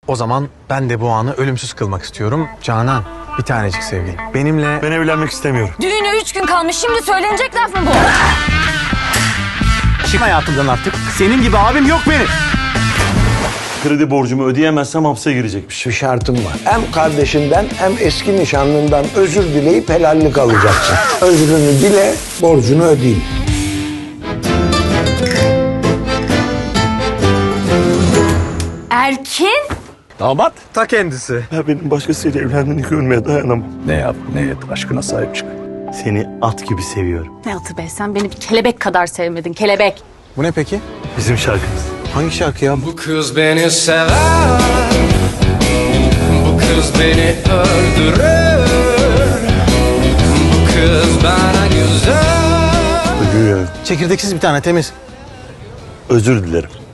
O zaman ben de bu anı ölümsüz kılmak istiyorum. Canan, bir tanecik sevgilim. Benimle... Ben evlenmek istemiyorum. Düğüne 3 gün kalmış. Şimdi söylenecek laf mı bu? Çık hayatımdan artık. Senin gibi abim yok benim. Kredi borcumu ödeyemezsem hapse girecekmiş. Bir şartım var. Hem kardeşinden hem eski nişanlından özür dileyip helallik alacaksın. Özrünü dile, borcunu ödeyeyim. Erkin? Damat. Ta kendisi. Ya benim başkasıyla evlendiğini görmeye dayanamam. Ne yap ne et aşkına sahip çık. Seni at gibi seviyorum. Ne atı be, sen beni bir kelebek kadar sevmedin, kelebek. Bu ne peki? Bizim şarkımız. Hangi şarkı ya? Bu kız beni sever, bu kız beni öldürür, bu kız bana güzel. Ölüyorum. Çekirdeksiz bir tane temiz. Özür dilerim.